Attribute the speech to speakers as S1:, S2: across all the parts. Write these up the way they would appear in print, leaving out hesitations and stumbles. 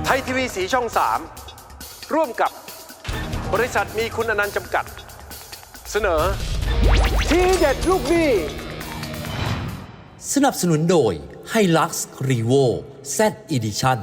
S1: ไทยทีวีสีช่อง 3 ร่วมกับบริษัทมีคุณอนันต์จำกัด เสนอทีเด็ดลูกหนี้
S2: สนับสนุนโดย Hilux Revo Z Edition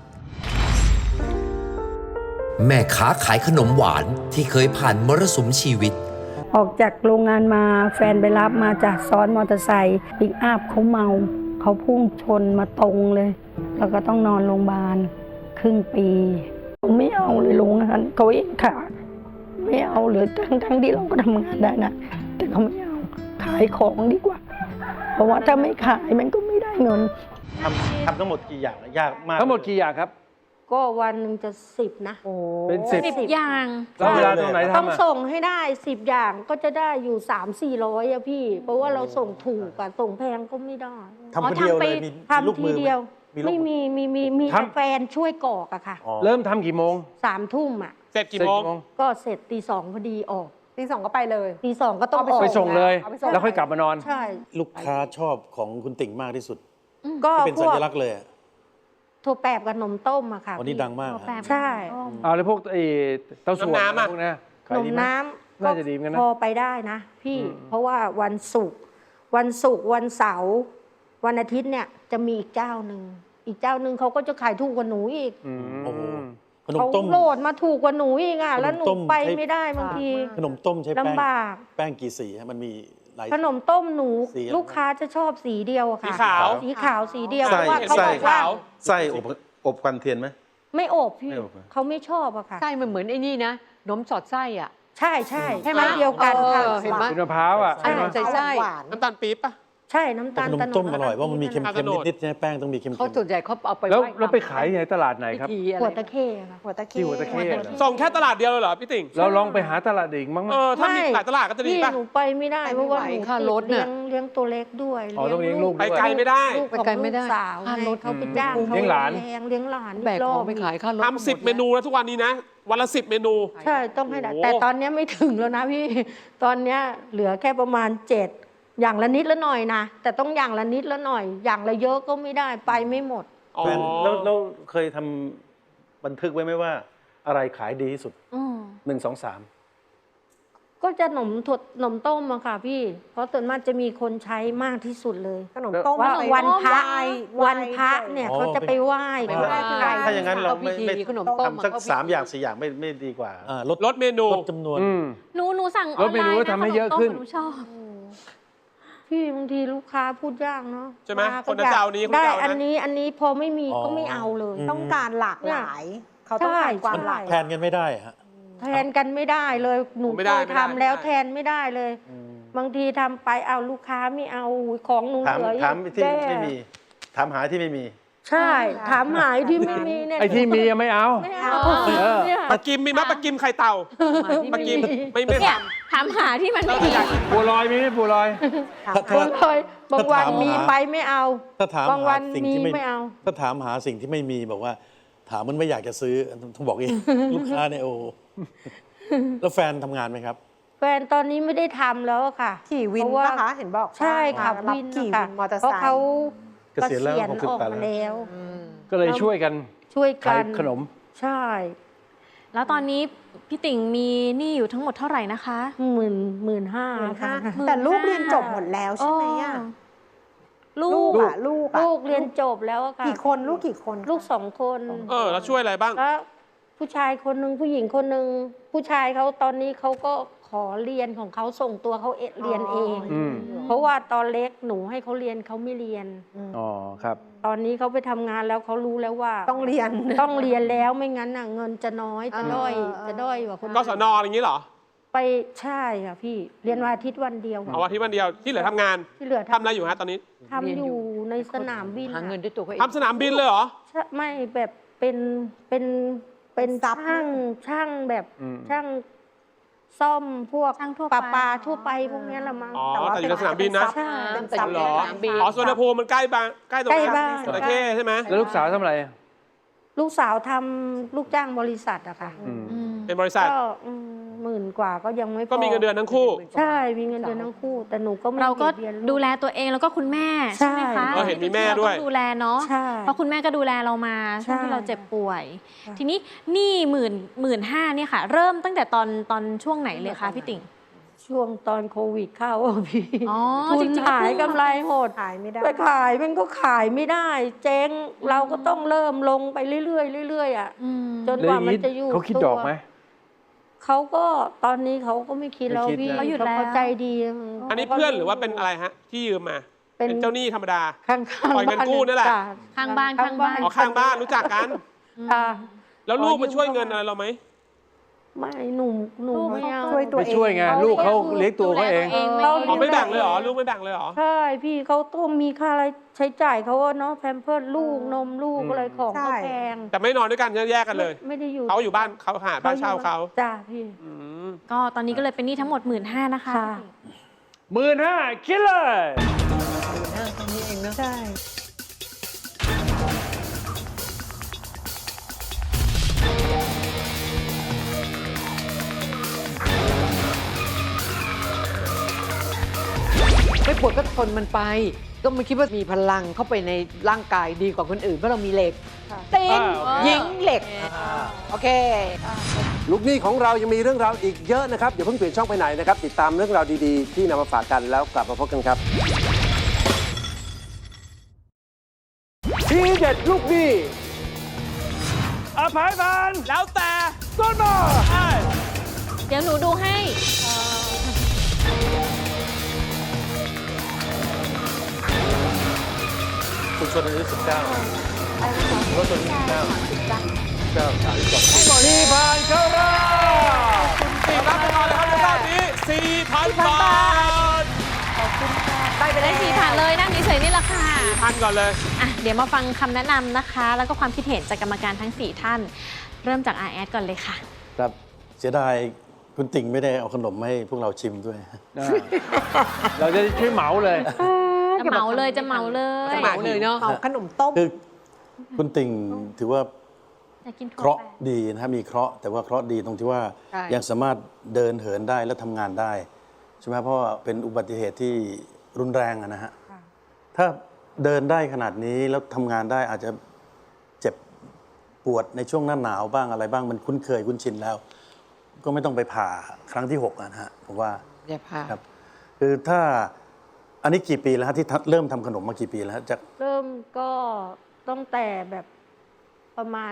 S2: แม่ค้าขายขนมหวานที่เคยผ่านมรสุมชีวิต
S3: ออกจากโรงงานมาแฟนไปรับมาจากซ้อนมอเตอร์ไซค์ปิกอัพเขาเมาเขาพุ่งชนมาตรงเลยแล้วก็ต้องนอนโรงพยาบาลครึ่งปีไม่เอาเลยโรงงานเขาเองค่ะไม่เอาเลยทั้งที่เราก็ทำงานได้นะแต่เขาไม่เอาขายของดีกว่าเพราะว่าถ้าไม่ขายมันก็ไม่ได้เงิน
S4: ทำทั้งหมดกี่อย่างยากมาก
S1: ทั้งหมดกี่อย่างครับ
S3: ก็วันหนึ่งจะ10นะ
S1: เป็น10
S5: อย่าง
S1: แล้วเวลาตรงไหนทำ
S3: ต้องส่งให้ได้10อย่างก็จะได้อยู่ 300-400อะพี่เพราะว่าเราส่งถูกอะส่งแพงก็ไม่ได้
S4: ทำคนเดียวเลยมีลูกมือ
S3: ทีเดียวไม่มีแฟนช่วยกอกอะค่ะ
S1: เริ่มทำกี่โมง
S3: 3 ทุ่มอะ
S1: เสร็จกี่โมง
S3: ก็เสร็จตี 2พอดีออก
S5: ตี 2ก็ไปเลย
S3: ตี 2ก็ต้องออก
S1: ไปส่งเลยแล้วค่อยกลับมานอน
S3: ใช่
S4: ลูกค้าชอบของคุณติ่งมากที่สุด
S3: ก็
S4: เป็นสัญลักษณ์เลย
S3: ถั่วแปบกับนมต้มอะค่ะ
S4: วันนี้ดังมาก
S3: ใช่
S1: แล้วพวกเต้าส่วนพวกนี้
S3: นมน้ำ
S1: น่าจะดีเหมือนกันนะ
S3: พอไปได้นะพี่เพราะว่าวันศุกร์วันเสาร์วันอาทิตย์เนี่ยจะมีอีกเจ้าหนึ่งเขาก็จะขายถูกกว่าหนูอีกเขาโหลดมาถูกกว่าหนูอีกอ่ะแล้วหนูไปไม่ได้บางที
S4: ขนมต้มใช้
S3: ลำบาก
S4: แป้งกี่สีมันมี
S3: ขนมต้มหนูลูกค้าจะชอบสีเดียวอะค่ะสีขาวสีเดียวเพราะว่าเขาบอกว่า
S4: ไส้อบกันเทียนไหม
S3: ไม่อบพี่เขาไม่ชอบอะค่ะ
S5: ไส้มันเหมือนไอ้นี่นะนมสอดไส้อ่ะ
S3: ใช่ไหมเดียวกันค่ะ
S5: เห็นไหม
S1: มะพร้าวอ่ะ
S5: ใส่ไส้
S6: น้ำตาลปี๊บป่ะ
S3: ใช่น้ำตาล
S4: ขนมต้มอร่อยว่ามันมีเค็มนิดๆใช่ไหมแป้งต้องมีเค็ม
S5: เขาส่วนใหญ่เขาเอาไป
S1: แล้วไปขายในตลาดไหนครับ
S3: หัวตะเข้ค่ะ
S6: หัวตะเข้
S1: ส่
S6: งแค่ตลาดเดียวเลยเหรอพี่ติ่ง
S1: เราลองไปหาตลาดอื่นบ้างไหม
S6: ถ้ามีหลายตลาดก็จะดีป่ะ
S3: หนูไปไม่ได้เพราะว่าหนูเลี้ยงตัวเล็กด้วย
S1: ต้องเลี้ยงลูก
S6: ไปไกลไม่ได้
S3: ไปไกลไม่ได้สาวเขาไปจ้างเขา
S1: เลี้ยงหล
S3: าน
S5: แบกของไปขายค่ารถ
S6: ทำ10 เมนูแล้วทุกวันนี้นะวันละ10 เมนู
S3: ใช่ต้องให้ได้แต่ตอนนี้ไม่ถึงแล้วนะพี่ตอนนี้เหลือแค่ประมาณ7อย่างละนิดละหน่อยนะแต่ต้องอย่างละนิดละหน่อยอย่างละเยอะก็ไม่ได้ไปไม่หมด
S4: แล้วเคยทำบันทึกไว้ไหมว่าอะไรขายดีที่สุด1 2 3
S3: ก็จะนมต้มอะค่ะพี่เพราะส่วนมากจะมีคนใช้มากที่สุดเลย
S5: ขนมต้ม
S3: ว่าวันพระเนี่ยเขาจะไปไหว้
S4: ถ้าอย่างนั้นเราไม่
S5: ขนมต้ม
S4: สัก3 อย่าง 4 อย่างไม่ดีกว่า
S6: ลดเมนู
S4: ลดจำนวน
S5: หนูสั่ง
S1: ลดเมนูทำให้เยอะขึ้น
S5: หนูชอบ
S3: พี่บางทีลูกค้าพูดยากเนาะ
S6: ใช่ไหมคนจะเอานี้
S3: ได้อันนี้พอไม่มีก็ไม่เอาเลย
S5: ต้องการหลากหลายเขาต้องการความหลาก
S4: แทนกันไม่ได้ฮะ
S3: แทนกันไม่ได้เลยหนูเคยทำแล้วแทนไม่ได้เลยบางทีทำไปเอาลูกค้าไม่เอาของหนูเหลือ
S4: ถามที่ไม่มีถามหาที่ไม่มี
S3: ใช่ถามหายที่ไม่มีเนี่ย
S1: ไอ้ที่มีไม่เอา
S6: ปลากิมมีไหมปลากิมไข่เต่าปลากิมไม่
S5: ถามหาที่มันไม่
S1: มีบัวลอยมีไหมบัวลอย
S3: บางวันมีไปไม่เอาบางวันมีไม่เอา
S4: ถ้าถามหาสิ่งที่ไม่มีบอกว่าถามมันไม่อยากจะซื้อต้องบอกเองลูกค้าเนี่ยโอ้แล้วแฟนทำงานไหมครับ
S3: แฟนตอนนี้ไม่ได้ทำแล้วค่ะ
S5: ขี่วินนะคะเห็นบอก
S3: ใช่ค่ะวินค่ะเพราะเขา
S4: เกษียณแล้ว
S3: ออกมาแล้ว
S1: ก็เลยช่วยกันขายขนม
S3: ใช่
S5: แล้วตอนนี้พี่ติ่งมีหนี้อยู่ทั้งหมดเท่าไหร่นะคะ
S3: 15,000ค่ะ
S5: แต่ลูกเรียนจบหมดแล้วใช่ไหมอ่ะลูก
S3: เรียนจบแล้วค่ะ
S5: กี่คนลูกกี่คน
S3: ลูก2 คน
S6: แล้วช่วยอะไรบ้าง
S3: แล้วผู้ชายคนหนึ่งผู้หญิงคนหนึ่งผู้ชายเขาตอนนี้เขาก็ขอเรียนของเขาส่งตัวเขาเรียนเองเพราะว่าตอนเล็กหนูให้เขาเรียนเขาไม่เรียน
S1: ครับ
S3: ตอนนี้เขาไปทำงานแล้วเขารู้แล้วว่า
S5: ต้องเรียน
S3: แล้วไม่งั้นน่ะเงินจะน้อยจะด้อยกว่าคน
S6: กศนอย่างนี้เหรอ
S3: ไปใช่ค่ะพี่เรียนวันอาทิตย์วันเดียว
S6: วันอาทิตย์วันเดียวที่เหลือทำงาน
S3: ที่เหลือ
S6: ทำอะไรอยู่ฮะตอนนี้
S3: ทำอยู่ในสนามบิน
S5: หาเงินด้วยตัวเอง
S6: ทำสนามบินเลยเหรอ
S3: ไม่แบบเป็นช่างแบบช่างซ่อมพวกปลาทั่วไปพวกนี้ละมั้ง
S6: แต่อยู่ในสนามบินนะ
S3: เป็นซับ
S6: เหรอสุวรรณภูมิมันใกล้ตรงนั้นจระเข้ใช่ไหม
S1: แล้วลูกสาวทำอะไร
S3: ลูกสาวทำลูกจ้างบริษัทอะค่ะ
S6: เป็นบริษัท
S3: 10,000 กว่าก็ยังไม่พอ
S6: ก็มีเงินเดือนทั้งคู่
S3: ใช่มีเงินเดือนทั้งคู่ แต่หนูก็ไม่
S5: เราก็
S3: บียดบียนลู
S5: ดูแลตัวเองแล้วก็คุณแม่ใช่ไหมคะ
S6: เออเห็นมีแม่ด้วย
S5: เราต้องดูแลเนาะ
S3: ใช่
S5: เพราะคุณแม่ก็ดูแลเรามาช่วงที่เราเจ็บป่วย ทีนี้หนี้15,000เนี่ยค่ะ เริ่มตั้งแต่ตอนช่วงไหนเลยคะพี่ติ่ง
S3: ช่วงตอนโควิดเข้าอะพี่
S5: อ๋อ
S3: ทุ
S5: จ
S3: น
S5: ริงๆก็
S3: หาย
S5: เพิ่ง
S3: กำไรหด
S7: ขายไม่ได้
S3: ไปขายมันก็ขายไม่ได้ เจ๊งเราก็ต้องเริ่มลงไปเรื่อยๆเรื่อยๆอ่ะ
S5: อืม
S3: จนกว่ามันจะอยู่
S1: เขาคิดดอกไหม
S3: เขาก็ตอนนี้เขาก็ไม่คิดแล้ว
S1: ไม่คิด
S3: พี่
S1: นะ
S5: เขาหยุดแล้ว
S3: เขาใจดี
S6: อันนี้เพื่อนหรือว่าเป็นอะไรฮะ ที่ยืมมา เป็นเจ้าหนี้ธรรมดา
S3: ข้างๆ
S6: ปล่อยเงินกู้นั่นแหละ
S3: จ้
S5: ข้างบ้าน
S6: อ๋อข้างบ้านรู้จักกัน
S3: ค่ะ
S6: แล้วลูกมาช่วยเงินอะไรเราไหม
S3: ไม่หนูไม่เอา
S7: ช่วยตัว
S1: ไม่
S7: เอง
S1: ช่วยไงลูกเขาเลี้ยงตัวเขาเอง
S3: เขา
S6: อ๋อไม่แบ่งเลยเหรอ ลูกไม่แบ่งเลยเหรอ
S3: ใช่พี่เขาต้องมีค่าอะไรใช้จ่ายเขาอะเนาะแพมเพิร์สลูกนมลูกอะไรของเขาแพง
S6: แต่ไม่นอนด้วยกันแยกกันเลย
S3: ไม่ได้อยู่
S6: เขาอยู่บ้านเขาหาบ้านเช่าเขา
S3: จ้าพี่
S6: อืม
S5: ก็ตอนนี้ก็เลยเป็นหนี้ทั้งหมด 15,000นะคะ
S3: ค่ะ
S1: 15,000คิดเลย
S7: ใช่
S8: ไม่ปวดก็ทนมันไป ก็ไม่คิดว่ามีพลังเข้าไปในร่างกายดีกว่าคนอื่นเพราะเรามีเหล็ก
S3: ค่ะ
S8: ติงหญิงเหล็ก โอเค
S1: ลูกหนี้ของเรายังมีเรื่องราวอีกเยอะนะครับอย่าเพิ่งเปลี่ยนช่องไปไหนนะครับ ติดตามเรื่องราวดีๆ ที่นำมาฝากกันแล้วกลับมาพบกันครับทีเด็ดลูกหนี้อภัยพัน
S6: แล้วแต่
S1: ต้นมา
S5: เดี๋ยวหนูดูให้
S4: คุณชนอายุ19รถชนอายุ19
S1: มีผ่านเข้ารอบ
S6: รับไปก่อนเลยครับในรอบนี้ 4,000 บาท
S5: ได้ไปได้4,000เลยนั่งเฉยๆนี่แหละค่ะ
S6: 4,000 ก่อนเลย
S5: อ่ะ เดี๋ยวมาฟังคำแนะนำนะคะ แล้วก็ความคิดเห็นจากกรรมการทั้ง 4 ท่าน เริ่มจากอาแอดก่อนเลยค่ะ
S4: ครับเสียดายคุณติ่งไม่ได้เอาขนมมาให้พวกเราชิมด้วย
S1: เราจะช่วยเหมาเลย
S5: จะเหมาเลยจะเหมาเลย
S8: เหมาเลยเนาะ
S7: เอาขนมต้ม
S4: คือคุณติ่งถือว่า
S5: อยากกินถั่ว
S4: เคราะห์
S5: แปะ
S4: ดีนะครับมีเคราะห์แต่ว่าเคราะห์ดีตรงที่ว่า
S8: ใช่
S4: ยังสามารถเดินเหินได้และทำงานได้ใช่ไหมเพราะว่าเป็นอุบัติเหตุที่รุนแรงอะนะฮะถ้าเดินได้ขนาดนี้แล้วทำงานได้อาจจะเจ็บปวดในช่วงหน้าหนาวบ้างอะไรบ้างมันคุ้นเคยคุ้นชินแล้ว ก็ไม่ต้องไปผ่าครั้งที่6นะฮะผมว่า
S8: อย่าพา
S4: ครับคือถ้าอันนี้กี่ปีแล้วฮะที่เริ่มทำขนมมากี่ปีแล้วฮะจาก
S3: เริ่มก็ตั้งแต่แบบประมาณ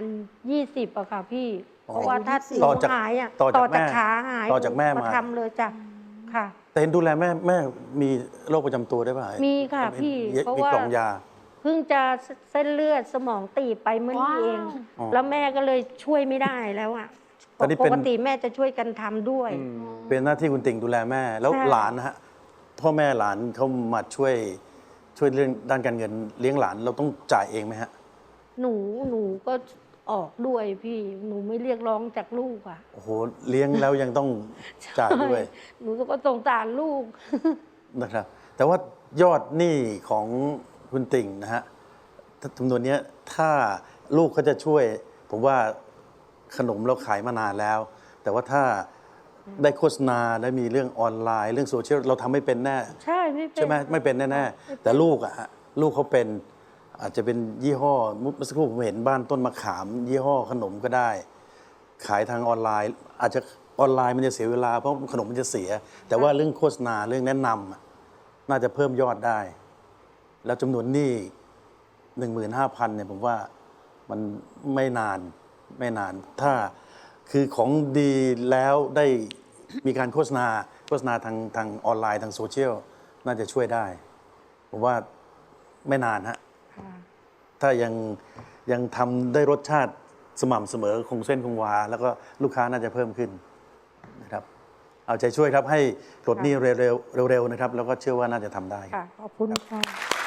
S3: 20อะค่ะพี่ เพราะว่าถ้า
S4: ต่อจาก
S3: หายอะ
S4: ต่อจากแม่
S3: ขาหาย
S4: ต่อจากแม่มา
S3: ทำเลยจ้ะค่ะ
S4: แต่เห็นดูแลแม่มีโรคประจำตัวได้ป่ะ
S3: มีค่ะพี่เพราะ
S4: มี
S3: ว่า
S4: กล่องยา
S3: เพิ่งจะเส้นเลือดสมองตีบไปเมื่อนี้เอง
S4: อ๋อ
S3: แล้วแม่ก็เลยช่วยไม่ได้แล้วอะ
S4: ตอนนี้
S3: ป
S4: เป็น
S3: กติแม่จะช่วยกันทำด้วย
S4: เป็นหน้าที่คุณติ่งดูแลแม่ แล้ว
S3: ใช่
S4: หลานนะฮะพ่อแม่หลานเขามาช่วยเรื่องด้านการเงินเลี้ยงหลานเราต้องจ่ายเองไหมฮะ
S3: หนูก็ออกด้วยพี่ หนูไม่เรียกร้องจากลูกอะ
S4: โอ้โหเลี้ยงแล้วยังต้องจ่ายด้วย
S3: หนูก็สงสารลูก
S4: นะครับ แต่ว่ายอดหนี้ของคุณติ่งนะฮะจำนวนเนี้ยถ้าลูกเขาจะช่วย ผมว่าขนมเราขายมานานแล้ว แต่ว่าถ้าได้โฆษณาได้มีเรื่องออนไลน์ เรื่องโซเชียลเราทำไม่เป็นแน่
S3: ใช่ไม่เป็น
S4: ใช่ไหมไม่เป็นแน่ๆแต่ลูกอะฮะลูกเขาเป็นอาจจะเป็นยี่ห้อเมื่อสักครู่ผมเห็นบ้านต้นมะขาม ยี่ห้อขนมก็ได้ ขายทางออนไลน์ อาจจะออนไลน์มันจะเสียเวลาเพราะขนมมันจะเสีย แต่ว่าเรื่องโฆษณาเรื่องแนะนำอะน่าจะเพิ่มยอดได้ แล้วจำนวนหนี้ 15,000เนี่ยผมว่ามันไม่นานถ้าคือของดีแล้วได้มีการโฆษณาทางออนไลน์ทางโซเชียลน่าจะช่วยได้ ผมว่าไม่นานฮะถ้ายังทำได้รสชาติสม่ำเสมอคงเส้นคงวา แล้วก็ลูกค้าน่าจะเพิ่มขึ้นนะครับเอาใจช่วยครับให้ปลดหนี้เร็วๆนะครับ แล้วก็เชื่อว่าน่าจะทำได้
S3: ค่ะ ขอบคุณค่ะ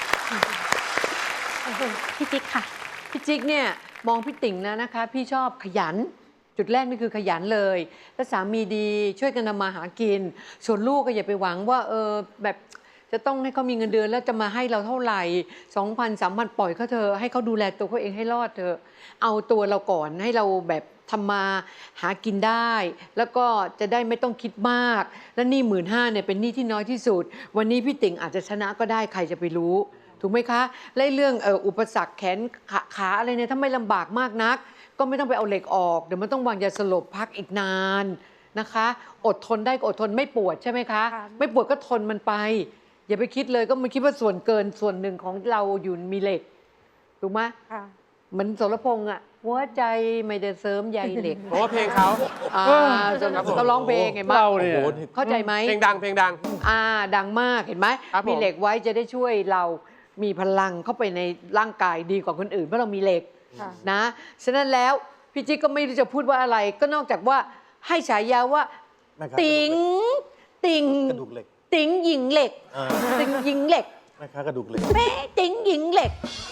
S5: พี่จิ๊กค่ะ
S8: พี่จิ๊กเนี่ยมองพี่ติ่งนะนะคะ พี่ชอบขยัน จุดแรกนี่คือขยันเลย แล้วสามีดีช่วยกันทำมาหากิน ส่วนลูกก็อย่าไปหวังว่าแบบจะต้องให้เขามีเงินเดือนแล้วจะมาให้เราเท่าไหร่ 2,000 3,000 ปล่อยเขาเถอะให้เขาดูแลตัวเขาเองให้รอดเถอะเอาตัวเราก่อนให้เราแบบทำมาหากินได้ แล้วก็จะได้ไม่ต้องคิดมาก และหนี้15,000เนี่ยเป็นหนี้ที่น้อยที่สุด วันนี้พี่ติ่งอาจจะชนะก็ได้ใครจะไปรู้ ถูกไหมคะและเรื่องอุปสรรคแขนขาอะไรเนี่ยถ้าไม่ลำบากมากนัก ก็ไม่ต้องไปเอาเหล็กออกเดี๋ยวมันต้องวางยาสลบพักอีกนานนะคะ อดทนได้ก็อดทนไม่ปวดใช่ไหมคะ ไม่ปวดก็ทนมันไป อย่าไปคิดเลยก็มันคิดว่าส่วนเกินส่วนหนึ่งของเราอยู่มีเหล็กถูกไหมเหมือนสรพงษ์อ่ะหัวใจไม่ได้เสริมใยเหล็ก
S6: เพราะว่าเพลงเขา
S8: เขาร้องเพลงเห็นไหม
S1: เราเนี่ย
S8: เข้าใจไหม
S6: เพลงดังเพลงดัง
S8: ดังมากเห็นไหม
S6: ครับผม
S8: มีเหล็กไว้จะได้ช่วยเรามีพลังเข้าไปในร่างกายดีกว่าคนอื่นเพราะเรามีเหล็กนะฉะนั้นแล้วพี่จิ๊กก็ไม่รู้จะพูดว่าอะไร ก็นอกจากว่าให้ฉายาว่า
S4: แม่ค้า
S8: ติ๋งติ๋ง
S4: กระดูกเหล็ก
S8: ติ๋งหญิงเหล็ก
S4: อ่า
S8: ติ๋งหญิงเหล็ก
S4: แม่ค้ากระดูกเหล็ก
S8: แม่ติ๋งหญิงเหล็ก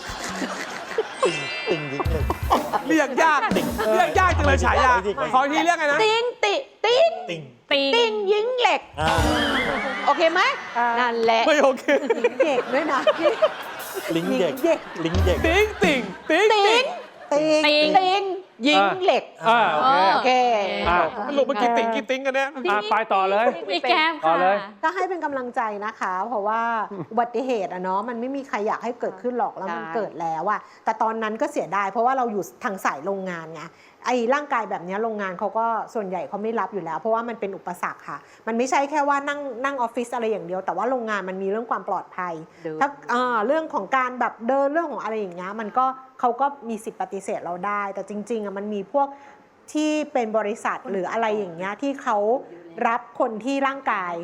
S4: ติ่งยิงเหล็ก
S6: เรียกยากเรียกยากจังเลยฉายา ขออีกทีเรียกไงนะ
S8: ติ๋งติ๋ง
S4: ติ่ง
S8: ติ๋งหญิงเหล็ก
S4: อ่า
S8: โอเคไหมนั่นแหละ
S6: ไม่โอเค
S8: เด็กด้วยนะ
S4: ลิงเด็กลิงเด็ก
S6: ติ๊งติ๊งติ๊ง
S8: ติ๋ง
S5: ติ๋ง
S8: ติ๋งหญิงเหล็ก โอเค
S6: สรุปเมื่อกี้ติ๊งกี่ติ๊งกันเนี่ย
S1: ไปต่อเลย
S5: พี่แก้ม
S1: ต่อ
S5: ค่ะ
S1: เลย
S9: ก็ให้เป็นกำลังใจนะคะ เพราะว่าอุบัติเหตุอะเนาะมันไม่มีใครอยากให้เกิดขึ้นหรอกแล้วมัน
S8: ใช่
S9: เกิดแล้วอะแต่ตอนนั้นก็เสียดายเพราะว่าเราอยู่ทางสายโรงงานไงไอ้ร่างกายแบบเนี้ยโรงงานเขาก็ส่วนใหญ่เขาไม่รับอยู่แล้ว เพราะว่ามันเป็นอุปสรรคค่ะ มันไม่ใช่แค่ว่านั่งออฟฟิศอะไรอย่างเดียวแต่ว่าโรงงานมันมีเรื่องความปลอดภัย ถ้าเรื่องของการแบบเดินเรื่องของอะไรอย่างเงี้ยมันก็เขาก็มีสิทธิ์ปฏิเสธเราได้ แต่จริงๆอะมันมีพวกที่เป็นบริษัทหรืออะไรอย่างเงี้ยที่เขารับคนที่ร่างกาย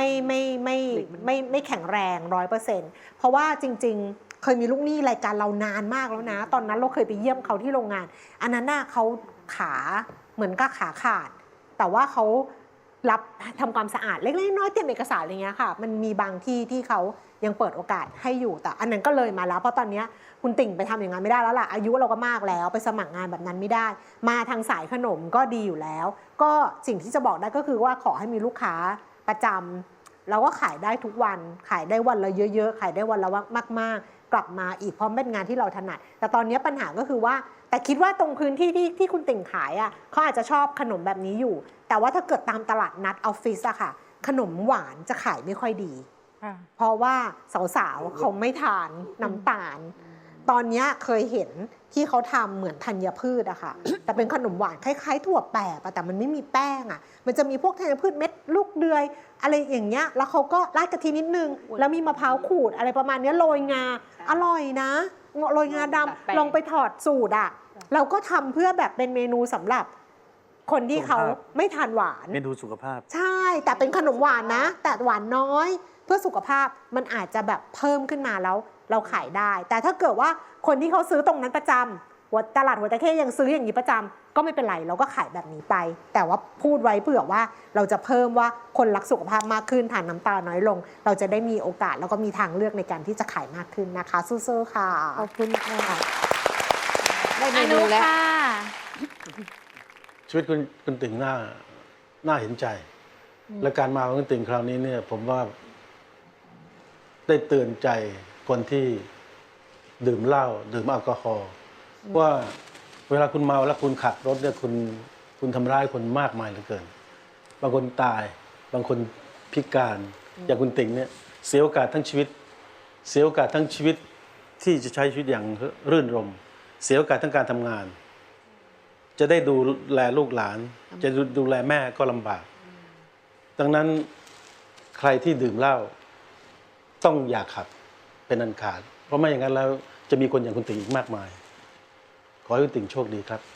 S9: ไม่แข็งแรง 100%เพราะว่าจริงๆเคยมีลูกหนี้รายการเรานานมากแล้วนะ ตอนนั้นเราเคยไปเยี่ยมเขาที่โรงงาน อันนั้นน่ะเขาขาเหมือนกับขาขาด แต่ว่าเขารับทำความสะอาดเล็กๆน้อยๆเตรียมเอกสารอะไรเงี้ยค่ะมันมีบางที่ที่เขายังเปิดโอกาสให้อยู่แต่อันนั้นก็เลยมาแล้วเพราะตอนนี้คุณติ่งไปทำอย่างนั้นไม่ได้แล้วล่ะอายุเราก็มากแล้วไปสมัครงานแบบนั้นไม่ได้ มาทางสายขนมก็ดีอยู่แล้ว ก็สิ่งที่จะบอกได้ก็คือว่าขอให้มีลูกค้าประจำเราก็ขายได้ทุกวันขายได้วันละเยอะๆขายได้วันละมากๆกลับมาอีกเพราะเป็นงานที่เราถนัดแต่ตอนนี้ปัญหาก็คือว่าแต่คิดว่าตรงพื้นที่ที่คุณติ่งขายอ่ะเขาอาจจะชอบขนมแบบนี้อยู่แต่ว่าถ้าเกิดตามตลาดนัดออฟฟิศอะค่ะขนมหวานจะขายไม่ค่อยดีเพราะว่าสาวๆเขาไม่ทานน้ำตาลตอนนี้เคยเห็นที่เขาทำเหมือนธัญพืชอะค่ะ แต่เป็นขนมหวานคล้ายๆถั่วแปบแต่มันไม่มีแป้งอะมันจะมีพวกธัญพืชเม็ดลูกเดือยอะไรอย่างเงี้ยแล้วเขาก็ราดกะทินิดนึงแล้วมีมะพร้าวขูดอะไรประมาณนี้โรยงาอร่อยนะโรยงาดำลองไปถอดสูตรอะเราก็ทำเพื่อแบบเป็นเมนูสำหรับคนที่เขาไม่ทานหวาน
S4: เมนูสุขภาพ
S9: ใช่แต่เป็นขนมหวานนะแต่หวานน้อยเพื่อสุขภาพมันอาจจะแบบเพิ่มขึ้นมาแล้วเราขายได้ แต่ถ้าเกิดว่าคนที่เขาซื้อตรงนั้นประจำตลาดหัวตะเข้ยังซื้ออย่างนี้ประจำก็ไม่เป็นไรเราก็ขายแบบนี้ไป แต่ว่าพูดไว้เผื่อว่าเราจะเพิ่มว่าคนรักสุขภาพมากขึ้นทานน้ำตาลน้อยลง เราจะได้มีโอกาสแล้วก็มีทางเลือกในการที่จะขายมากขึ้นนะคะสู้ๆค่ะขอบคุณค่ะ
S8: ได้เม
S5: อ
S8: นู
S5: นุ
S8: แล้ว
S5: ค่ะ
S4: ชีวิตคุณติ่งน่าเห็นใจ และการมาของคุณติ่งคราวนี้เนี่ยผมว่าได้เตือนใจคนที่ดื่มเหล้าดื่มแอลกอฮอล์ว่าเวลาคุณเมาแล้วคุณขับรถเนี่ยคุณทำร้ายคนมากมายเหลือเกิน บางคนตายบางคนพิการอย่างคุณติ่งเนี่ยเสียโอกาสทั้งชีวิต เสียโอกาสทั้งชีวิตที่จะใช้ชีวิตอย่างรื่นรมย์เสียโอกาสทั้งการทำงาน จะได้ดูแลลูกหลาน จะดูแลแม่ก็ลำบาก ดังนั้นใครที่ดื่มเหล้าต้องอย่าขับเป็นอันขาด เพราะไม่อย่างนั้นแล้วจะมีคนอย่างคุณติ่งอีกมากมาย ขอให้คุณติ่งโชคดีครับ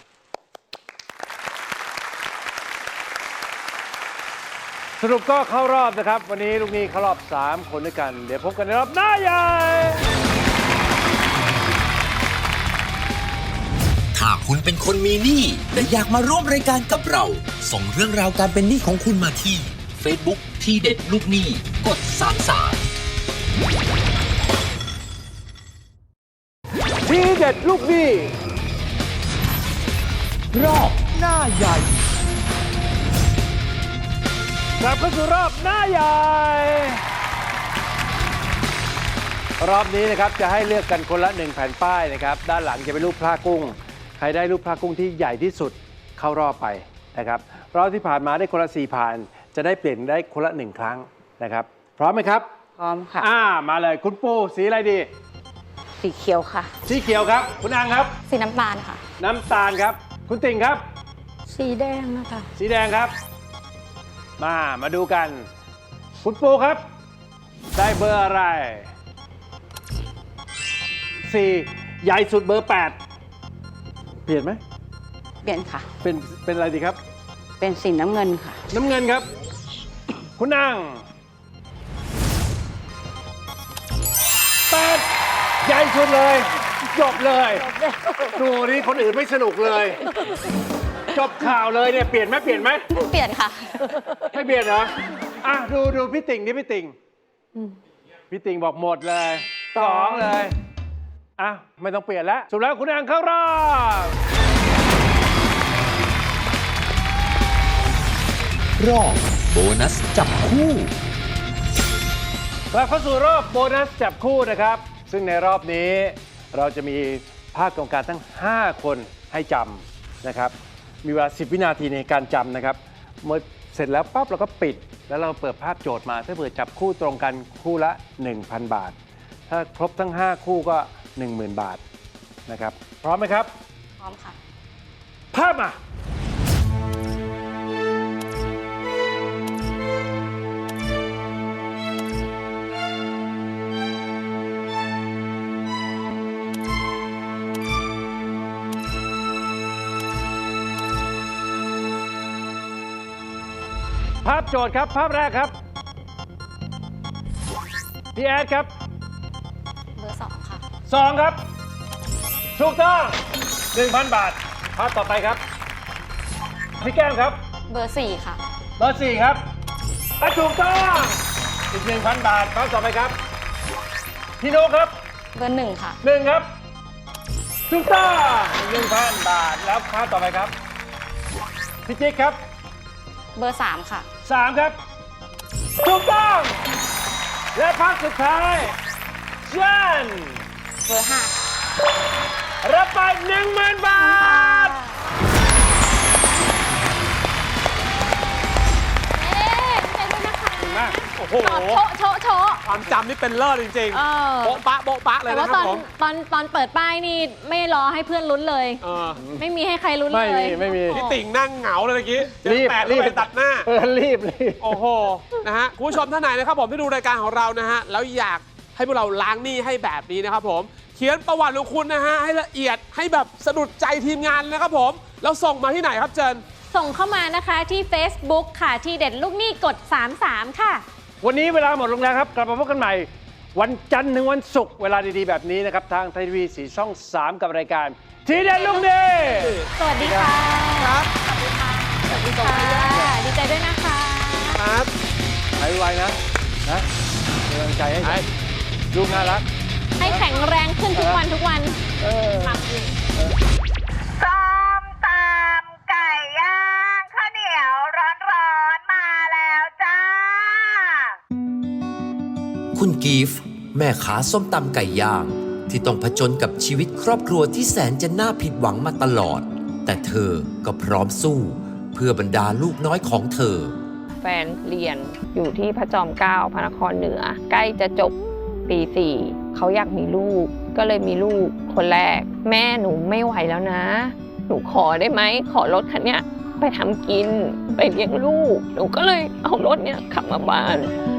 S1: สรุปก็เข้ารอบนะครับ วันนี้ลูกหนี้เข้ารอบ 3 คนด้วยกัน เดี๋ยวพบกันในรอบหน้าใหญ่
S2: ถ้าคุณเป็นคนมีหนี้และอยากมาร่วมรายการกับเรา ส่งเรื่องราวการเป็นหนี้ของคุณมาที่ Facebook ที่เด็ดลูกหนี้กด 33
S1: ทีเด็ดลูกหนี้
S2: รอบหน้าใหญ่
S1: กลับเข้าสู่รอบหน้าใหญ่ รอบนี้นะครับจะให้เลือกกันคนละ1แผ่นป้ายนะครับด้านหลังจะเป็นรูปพระกุ้งใครได้รูปพระกุ้งที่ใหญ่ที่สุดเข้ารอบไปนะครับรอบที่ผ่านมาได้คนละ4ผ่านจะได้เปลี่ยนได้คนละ1ครั้งนะครับพร้อมไหมครับ
S7: พร้อมค่ะ
S1: มาเลยคุณปูสีอะไรดี
S7: สีเขียวค่ะ
S1: สีเขียวครับคุณอังครับ
S5: สีน้ำตาลค่ะ
S1: น้ำตาลครับคุณติ่งครับ
S3: สีแดงนะคะ
S1: สีแดงครับมาดูกันคุณปูครับได้เบอร์อะไร4ใหญ่สุดเบอร์8เปลี่ยนไหม
S7: เปลี่ยนค่ะ
S1: เป็นอะไรดีครับ
S7: เป็นสีน้ำเงินค่ะ
S1: น้ำเงินครับ คุณนาง8ใหญ่สุดเลยจบเลยดูนี่คนอื่นไม่สนุกเลยจบข่าวเลยเนี่ยเปลี่ยนไหม
S5: เปลี่ยนค่ะ
S1: ไม่เปลี่ยนเหรอดูพี่ติ่งนี่พี่ติ่งพี่ติ่งบอกหมดเลย2เลยไม่ต้องเปลี่ยนแล้วสุดแล้วคุณนางเข้ารอบ
S2: รอบโบนัสจับคู่
S1: กลับเข้าสู่รอบโบนัสจับคู่นะครับซึ่งในรอบนี้เราจะมีภาคกรรมการทั้ง5คนให้จำนะครับมีเวลา10วินาทีในการจำนะครับเมื่อเสร็จแล้วปั๊บเราก็ปิดแล้วเราเปิดภาพโจทย์มาถ้าเผื่อจับคู่ตรงกันคู่ละ 1,000 บาทถ้าครบทั้ง5คู่ก็ 10,000 บาทนะครับพร้อมไหมครับ
S5: พร้อมค่ะ
S1: ภาพมาภาพโจทย์ครับภาพแรกครับพี่แอดครับ
S5: เบอร์2ค่ะ
S1: 2ครับถูกต้อง 1,000 บาทภาพต่อไปครับพี่แก้มครับ
S5: เบอร์4ค่ะ
S1: เบอร์4ครับถูกต้องอีก 1,000 บาทภาพต่อไปครับพี่โนครับ
S5: เบอร์1ค่ะ
S1: 1ครับถูกต้อง 1,000 บาทแล้วภาพต่อไปครับพี่จิ๊กครับ
S5: เบอร์3ค่ะ
S1: 3ครับถูกต้องและภาพสุดท้ายเจน
S5: เบอร์5
S1: รับไป 10,000 บาทโอ้โห
S5: โชะ
S6: ความจำนี่เป็นเลิศจริงๆโบ๊ะปะเลยนะครับผม
S5: ตอนเปิดป้ายนี่ไม่รอให้เพื่อนลุ้นเลยไม่มีให้ใครลุ้นเลย
S1: ไม่มี
S6: พี่ติ่งนั่งเหงาเลยเมื่อกี้รีบไปตัดหน้า
S1: รีบ
S6: โอ้โหนะฮะคุณผู้ชมท่านไหนนะครับผมที่ดูรายการของเรานะฮะแล้วอยากให้พวกเราล้างหนี้ให้แบบนี้นะครับผมเขียนประวัติของคุณนะฮะให้ละเอียดให้แบบสะดุดใจทีมงานนะครับผมแล้วส่งมาที่ไหนครับเจน
S5: ส่งเข้ามานะคะที่ Facebook ค่ะที่เด็ดลูกหนี้กด33ค่ะ
S1: วันนี้เวลาหมดลงแล้วครับกลับมาพบกันใหม่วันจันทร์ถึงวันศุกร์เวลาดีๆแบบนี้นะครับทางไทยทีวี4ช่อง3กับรายการทีเด็ดลูกหนี้
S5: สวัสดีค่ะครับสวัสดีค่ะดีใจด้วยนะคะ
S6: ครับ
S1: หายไวนะเป็นกำลังใจให้ลูกน่ารัก
S5: ให้แข็งแรงขึ้นทุกวัน
S10: ส้มตำไก่ย่างข้าวเหนียวร้อนๆมาแล้วจ้า
S2: คุณกีฟแม่ค้าส้มตำไก่ย่างที่ต้องผจญกับชีวิตครอบครัวที่แสนจะน่าผิดหวังมาตลอดแต่เธอก็พร้อมสู้เพื่อบรรดาลูกน้อยของเธอ
S11: แฟนเรียนอยู่ที่พระจอมเกล้าพระนครเหนือใกล้จะจบปี 4เขาอยากมีลูกก็เลยมีลูกคนแรกแม่หนูไม่ไหวแล้วนะหนูขอได้ไหมขอรถคันเนี้ยไปทำกินไปเลี้ยงลูกหนูก็เลยเอารถเนี้ยขับมาบ้าน